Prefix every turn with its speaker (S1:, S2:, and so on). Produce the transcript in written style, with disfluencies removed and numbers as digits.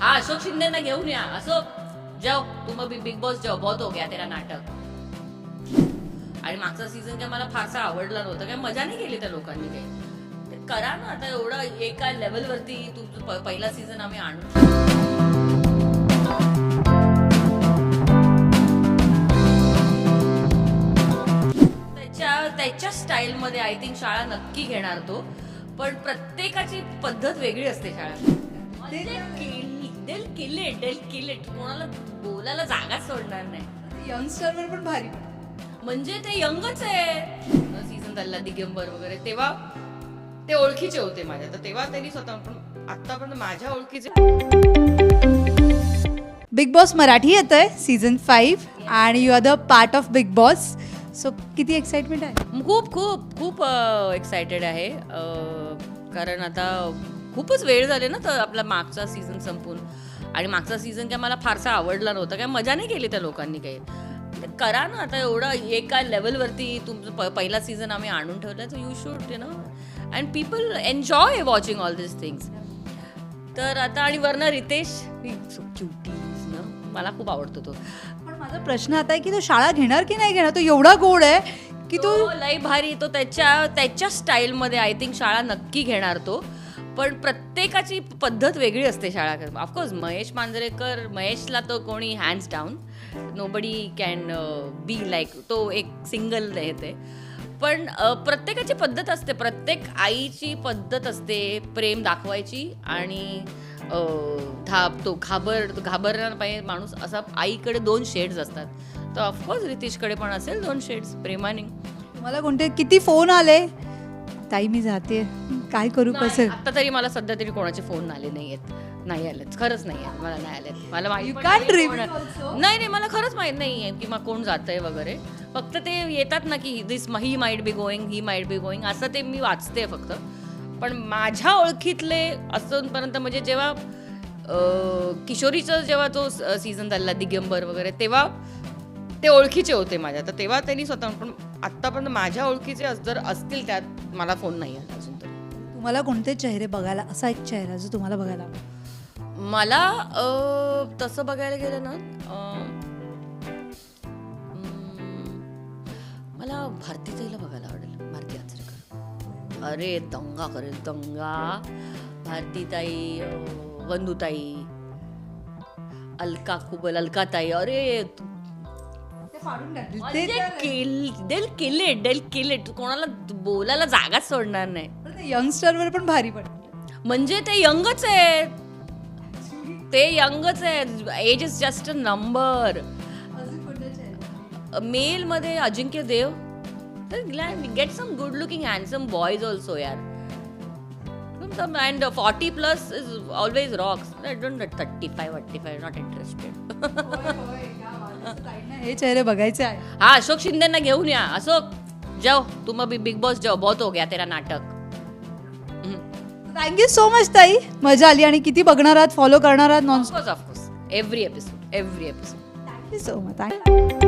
S1: हाँ अशोक शिंदेना घेऊन या. अशोक जाओ तुम बिग बॉस जाओ, बहुत हो गया तेरा नाटक. आणि मागचा सीझन काय मला फारसा आवडला नव्हता, काय मजा नाही केली त्या लोकांनी काही. ते करा ना आता, एवढं एका लेवलवरती तुमचं पहिला सीझन आम्ही आणू. त्याच्या स्टाईलमध्ये आय थिंक शाळा नक्की घेणार तो, पण प्रत्येकाची पद्धत वेगळी असते शाळा. किलेट कोणाला बोलायला जागा सोडणार नाही.
S2: यंगस्टरवर पण भारी.
S1: म्हणजे ते यंगच आहे. सीझन झाला दिगंबर वगैरे, तेव्हा ते ओळखीचे होते माझ्या, तर तेव्हा त्यांनी स्वतः, पण आतापर्यंत माझ्या ओळखीचे.
S2: बिग बॉस मराठी येतंय सीझन 5 आणि you are the part of Bigg Boss. So किती एक्साइटमेंट आहे?
S1: खूप खूप खूप एक्सायटेड आहे. कारण आता खूपच वेळ झाले ना तर आपला मागचा सीझन संपून. आणि मागचा सीझन काय मला फारसा आवडला नव्हता, काय मजा नाही केली त्या लोकांनी काही. ते करा ना आता, एवढं एका लेवलवरती तुमचं पहिला सीझन आम्ही आणून ठेवला, तर you should you know, and people enjoy watching all this things. तर आता आणि वरनं रितेश क्युटीज ना, मला खूप आवडतो तो.
S2: पण माझा प्रश्न आता आहे की तो शाळा घेणार की नाही घेणार? तो एवढा गोड आहे की तो
S1: लई भारी. तो त्याच्या स्टाईलमध्ये आय थिंक शाळा नक्की घेणार तो, पण प्रत्येकाची पद्धत वेगळी असते शाळा. ऑफकोर्स महेश मांजरेकर, महेशला तो कोणी hands down, nobody can be like, तो एक सिंगल येते. पण प्रत्येकाची पद्धत असते, प्रत्येक आईची पद्धत असते प्रेम दाखवायची. आणि तो घाबरणार पाहिजे माणूस असा. आईकडे 2 शेड्स असतात, तर ऑफकोर्स रितेशकडे पण असेल 2 शेड्स प्रेमाने.
S2: तुम्हाला कोणते किती फोन आले? ताई मी जाते, काय करू कसं?
S1: आता तरी मला सध्या तरी कोणाचे फोन आले नाही आलेत, खरंच नाही आहेत, मला नाही आलेत. मला माहिती
S2: You
S1: पण
S2: can't
S1: नाही
S2: reveal
S1: कोण-
S2: also.
S1: नाही मला खरंच माहित नाहीये की मग कोण जातंय वगैरे. फक्त ते येतात ना की ही माइट बी गोईंग असं ते मी वाचते फक्त. पण माझ्या ओळखीतले असूनपर्यंत, म्हणजे जेव्हा किशोरीचं जेव्हा तो सीझन झाला दिगंबर वगैरे, तेव्हा ते ओळखीचे होते माझ्या, तर तेव्हा त्यांनी स्वतः, पण आतापर्यंत माझ्या ओळखीचे जर असतील त्यात मला फोन नाही आला अजून तरी.
S2: तुम्हाला कोणते चेहरे बघायला, असा एक चेहरा जो तुम्हाला बघायला आवडेल?
S1: मला तसं बघायला गेलं ना, मला भारतीताईला बघायला आवडेल. भारती आचरेकर, अरे दंगा करेल दंगा. भारतीताई, वंदुताई, अलकाताई, अरे किलेट कोणाला बोलायला जागाच सोडणार नाही.
S2: यंगस्टरवर पण भारी पडते.
S1: म्हणजे ते यंगच आहे, age is just a number. Male मध्ये Ajinkya Deo, get some good looking handsome boys also यार. And 40+ is always rocks. I don't 35 not interested.
S2: हे चेहरे बघायचे आहे.
S1: हाँ अशोक शिंदेना घेऊन या. अशोक जाओ तुम बिग बॉस जाओ, बहुत हो गया तेरा नाटक.
S2: थँक्यू सो मच ताई, मजा आली. आणि किती बघणार आहात, फॉलो करणार आहात?
S1: Of course every episode.
S2: Thank you so much.